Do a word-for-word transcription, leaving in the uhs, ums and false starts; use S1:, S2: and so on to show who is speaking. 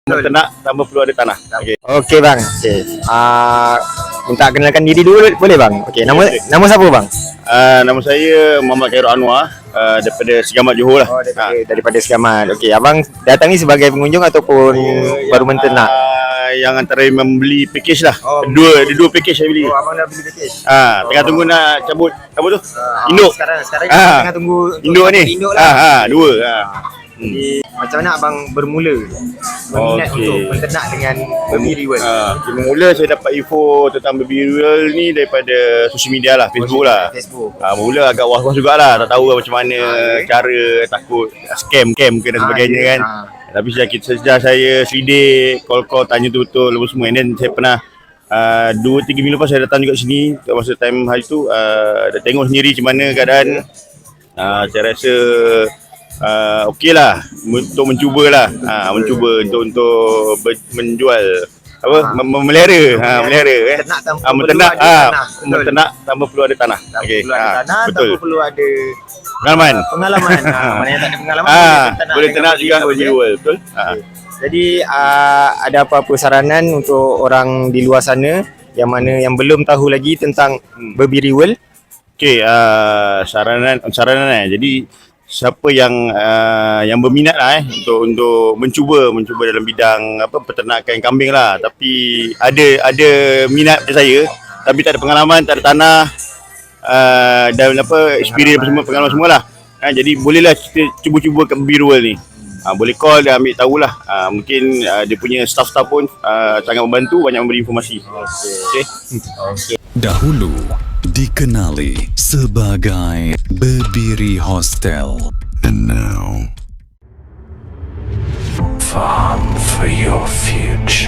S1: Ternak tanpa perlu ada tanah. Okey.
S2: Okey bang. Okey. Ah uh, minta kenalkan diri dulu boleh bang? Okey. Nama
S1: okay.
S2: nama siapa bang?
S1: Uh, nama saya Muhammad Khairul Anwar uh, daripada Segamat Johor lah.
S2: Oh, daripada, ha. daripada Segamat. Okey, abang datang ni sebagai pengunjung ataupun uh, baru menternak?
S1: Uh, yang antara membeli package lah.
S2: Oh,
S1: dua, ada dua package saya beli.
S2: Oh, abang dah beli package.
S1: Ah, uh, tengah oh. tunggu nak cabut apa tu?
S2: Uh,
S1: induk.
S2: Sekarang sekarang
S1: uh,
S2: tengah tunggu
S1: induk ni.
S2: Induk
S1: Ah,
S2: lah.
S1: ha, dua. Ha.
S2: Jadi hmm. macam mana abang bermula berminat
S1: okay.
S2: untuk menternak dengan baby riwal?
S1: Uh, mula saya dapat info tentang baby riwal ni daripada social media lah, Facebook lah.
S2: Facebook.
S1: Uh, mula agak was-was jugalah, tak tahu macam mana okay. cara, takut scam-cam ke dan sebagainya kan.
S2: Ha.
S1: Tapi sejak saya selidik, call-call tanya tu betul lepas semua. And then saya pernah uh, dua tiga minggu lepas saya datang juga sini masa time hari tu, uh, dah tengok sendiri macam mana keadaan. Uh, saya rasa Uh, okey lah untuk mencuba lah, ha, mencuba untuk untuk ber, menjual apa ha. memelihara, ha, memelihara eh,
S2: ternak tanpa
S1: ha,
S2: perlu
S1: menternak,
S2: ada
S1: ha,
S2: tanah,
S1: menternak tanpa perlu ada tanah. Okey,
S2: perlu ada
S1: ha,
S2: tanah,
S1: betul.
S2: tanpa perlu ada
S1: pengalaman.
S2: Pengalaman, ha, mana yang tak ada pengalaman
S1: ha,
S2: boleh
S1: boleh ternak juga berjual, betul. Ha.
S2: Okay. Jadi uh, ada apa-apa saranan untuk orang di luar sana yang mana yang belum tahu lagi tentang hmm. baby riwal?
S1: Okey, uh, saranan saranan eh. Jadi siapa yang uh, yang berminat lah eh untuk untuk mencuba mencuba dalam bidang apa peternakan kambing lah, tapi ada ada minat macam saya tapi tak ada pengalaman, tak ada tanah uh, dan apa experience apa semua, pengalaman semualah. Ha, jadi bolehlah kita cuba-cuba kat baby riwal ni. Ha, boleh call dan ambil tahulah. Ha, mungkin uh, dia punya staff-staff pun uh, sangat membantu, banyak memberi informasi. Okey. Okey.
S2: Okay.
S3: Dahulu dikenali sebagai Berdiri Hostel. And now, farm for your future.